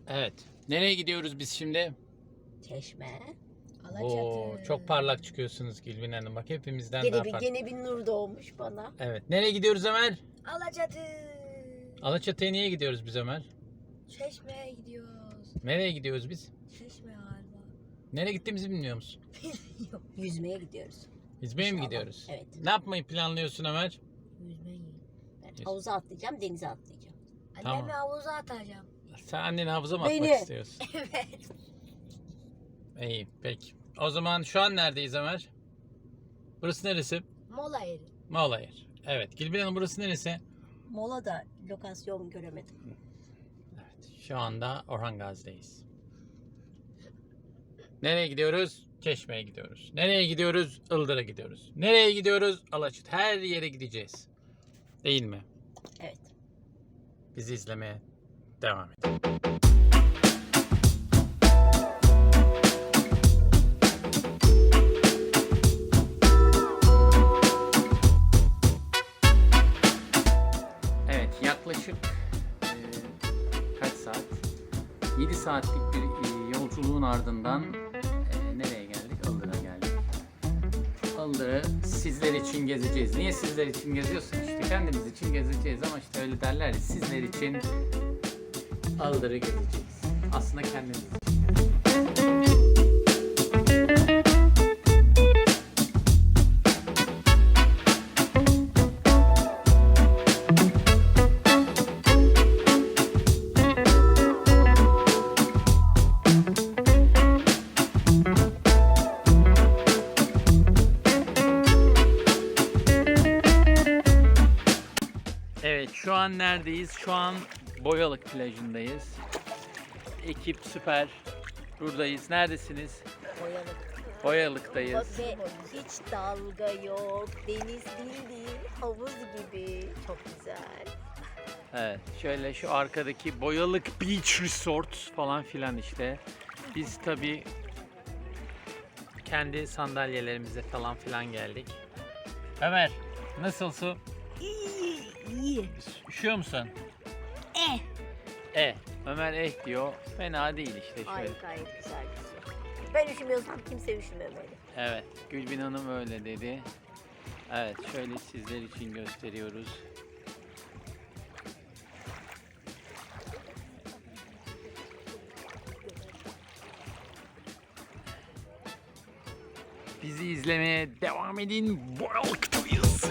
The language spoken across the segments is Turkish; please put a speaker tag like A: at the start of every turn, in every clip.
A: Evet. Nereye gidiyoruz biz şimdi?
B: Çeşme.
A: Oo, çok parlak çıkıyorsunuz Gülbin Hanım. Bak hepimizden daha parlak.
B: Gene bir nur doğmuş bana.
A: Evet. Nereye gidiyoruz Ömer?
C: Alaçatı.
A: Alaçatı'ya niye gidiyoruz biz Ömer?
C: Çeşme'ye gidiyoruz.
A: Nereye gidiyoruz biz?
C: Çeşme galiba.
A: Nereye gittiğimizi bilmiyor musun?
B: Yüzmeye gidiyoruz.
A: Yüzmeye mi
B: İnşallah.
A: gidiyoruz?
B: Evet.
A: Ne yapmayı planlıyorsun Ömer?
C: Yüzmeyi.
B: Ben havuza atlayacağım, denize atlayacağım.
A: Tamam.
C: Annemi havuza atacağım.
A: Sen anneni havuza mı atmak
B: Beni.
A: istiyorsun?
C: Evet.
A: İyi peki. O zaman şu an neredeyiz Ömer? Burası neresi?
C: Mola yeri.
A: Mola yer. Evet. Gülbin Hanım burası neresi?
B: Mola da lokasyon göremedim.
A: Evet. Şu anda Orhan Gazi'deyiz. Nereye gidiyoruz? Çeşme'ye gidiyoruz. Nereye gidiyoruz? Ildır'a gidiyoruz. Nereye gidiyoruz? Alaçatı. Her yere gideceğiz. Değil mi?
B: Evet.
A: Bizi izlemeye devam edin. Evet, yaklaşık kaç saat? 7 saatlik bir yolculuğun ardından nereye geldik? Ildır'a geldik. Ildır'ı sizler için gezeceğiz. Niye sizler için geziyorsun? İşte kendimiz için gezeceğiz ama işte öyle derler ya, sizler için Ildır'ı gezeceğiz. Aslında kendimiz için. Evet, şu an neredeyiz? Şu an Boyalık plajındayız. Ekip süper. Buradayız. Neredesiniz?
B: Boyalık.
A: Boyalık'tayız.
B: Ve hiç dalga yok. Deniz değil, havuz gibi. Çok güzel.
A: Evet, şöyle şu arkadaki Boyalık Beach Resort falan filan işte. Biz tabii kendi sandalyelerimize falan filan geldik. Ömer, nasıl su?
B: İyi.
A: Üşüyor musun? Ömer diyor. Fena değil işte şöyle.
B: Ay gayet güzel bir su. Ben üşümüyorsam kimse üşümemeli.
A: Evet, Gülbin Hanım öyle dedi. Evet, şöyle sizler için gösteriyoruz. Bizi izlemeye devam edin. Boyalık'tayız.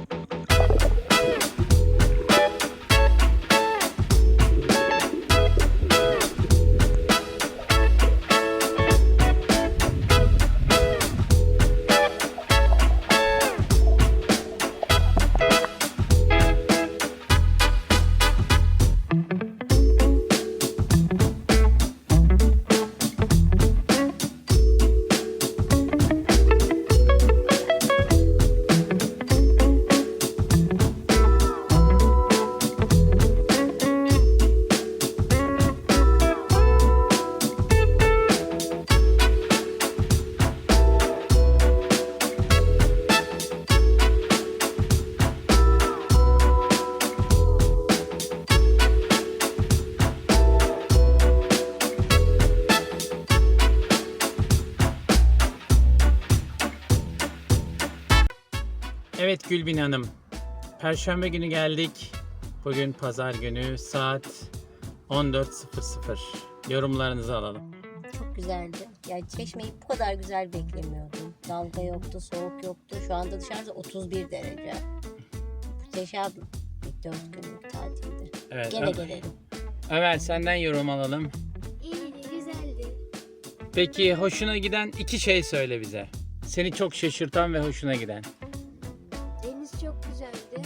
A: Evet Gülbin Hanım, Perşembe günü geldik. Bugün Pazar günü, saat 14.00. Yorumlarınızı alalım.
B: Çok güzeldi. Yani Çeşme'yi bu kadar güzel beklemiyordum. Dalga yoktu, soğuk yoktu. Şu anda dışarıda 31 derece. Muhteşem bir 4 günlük tatildi.
A: Evet,
B: Gene gelelim.
A: Ömer senden yorum alalım.
C: İyiydi, güzeldi.
A: Peki hoşuna giden 2 şey söyle bize. Seni çok şaşırtan ve hoşuna giden.
C: Deniz çok güzeldi.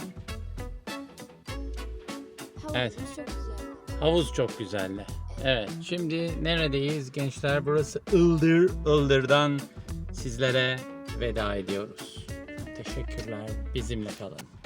C: Havuz
A: Evet.
C: çok güzeldi.
A: Havuz çok güzeldi. Evet, şimdi neredeyiz gençler? Burası Ildır. Ildır'dan sizlere veda ediyoruz. Teşekkürler. Bizimle kalın.